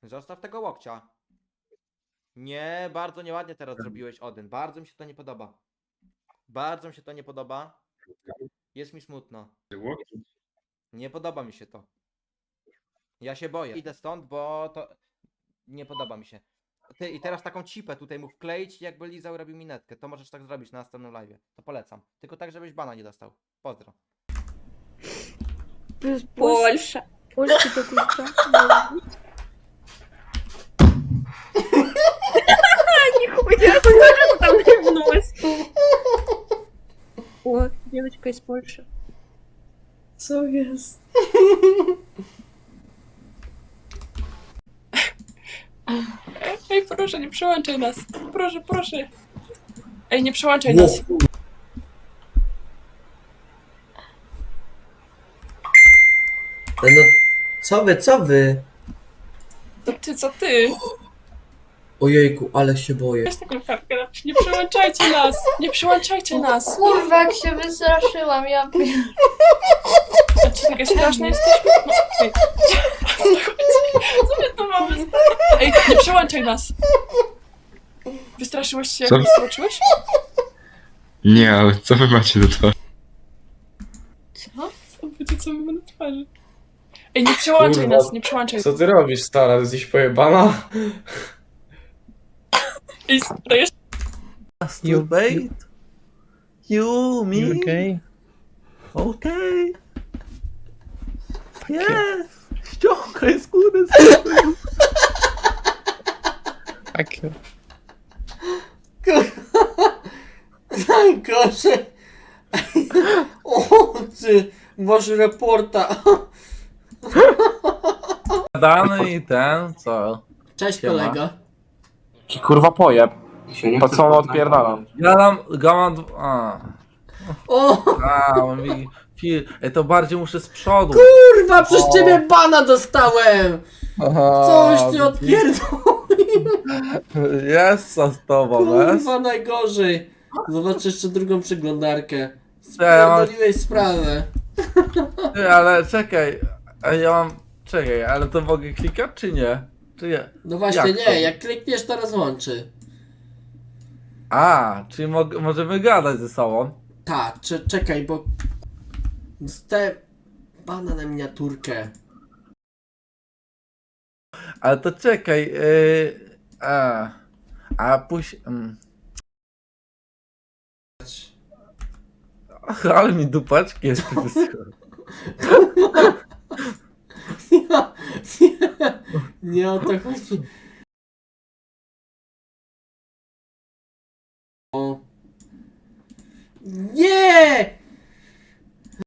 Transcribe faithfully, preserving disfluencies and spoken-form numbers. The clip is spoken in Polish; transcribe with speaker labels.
Speaker 1: Zostaw tego łokcia. Nie, bardzo nieładnie teraz zrobiłeś, Odyn. Bardzo mi się to nie podoba. Bardzo mi się to nie podoba. Jest mi smutno. Nie podoba mi się to. Ja się boję. Idę stąd, bo to nie podoba mi się. Ty i teraz taką cipę tutaj mu wkleić, jakby Lizał robił minetkę. To możesz tak zrobić na następnym live. To polecam. Tylko tak, żebyś bana nie dostał. Pozdro.
Speaker 2: Польша.
Speaker 3: Польський то кулька.
Speaker 2: Нихуя, сколько там ливнулось. О, девочка из Польши.
Speaker 3: Co jest?
Speaker 4: Ej, proszę, nie przełączaj nas. Proszę, proszę. Ej, nie przełączaj nas.
Speaker 5: No, co wy, co wy?
Speaker 4: To ty, co ty?
Speaker 5: Ojejku, ale się boję.
Speaker 4: Weź taką kartkę napisz. Nie przełączajcie nas. Nie przełączajcie nas.
Speaker 3: Kurwa, jak się wystraszyłam, ja pier...
Speaker 4: A czy takie straszne jesteśmy? No, ej. Co my tu mamy? Ej, nie przełączaj nas. Wystraszyłeś się, jak
Speaker 6: Co?
Speaker 4: mnie zobaczyłeś?
Speaker 6: Nie, ale co wy macie do twarzy?
Speaker 3: Co?
Speaker 4: Zobaczcie, co my mamy na twarzy. Ej, nie przełączaj
Speaker 7: Kurwa.
Speaker 4: nas, nie przełączaj.
Speaker 7: Co ty robisz, stara? Jesteś pojebana?
Speaker 4: Ej, dajesz?
Speaker 8: You bait? You, me?
Speaker 9: You okay?
Speaker 8: Okay. Yes! Ściągaj skórę.
Speaker 9: Fuck you.
Speaker 5: Najgorzej! O, ty, masz reporta.
Speaker 8: Dany i ten, co?
Speaker 5: Cześć
Speaker 8: Siema.
Speaker 5: kolego.
Speaker 10: Kurwa pojeb. Po co on odpierdala?
Speaker 8: Gadam, gadam, a.
Speaker 5: O,
Speaker 8: A, on mi... fi- Ej, to bardziej muszę z przodu.
Speaker 5: kurwa, przez
Speaker 8: O.
Speaker 5: ciebie bana dostałem! Coś ty odpierdol.
Speaker 8: Jest co z tobą, jest?
Speaker 5: Kurwa, najgorzej. Zobacz jeszcze drugą przeglądarkę.
Speaker 8: Ja mam-
Speaker 5: Spierdoliłeś sprawę.
Speaker 8: Ty, ale czekaj, a ja mam... Czekaj, ale to mogę klikać czy nie? Czy nie?
Speaker 5: No właśnie
Speaker 8: Jak
Speaker 5: nie,
Speaker 8: to?
Speaker 5: jak klikniesz to rozłączy.
Speaker 8: A, czyli mog- możemy gadać ze sobą.
Speaker 5: Tak, cze- czekaj, bo... Dostałem bana na miniaturkę.
Speaker 8: Ale to czekaj, yy, a, a później... Mm. Ach, ale mi dupaczki jeszcze wyschły.
Speaker 5: Nie, nie, nie o to chodzi. O. Nie!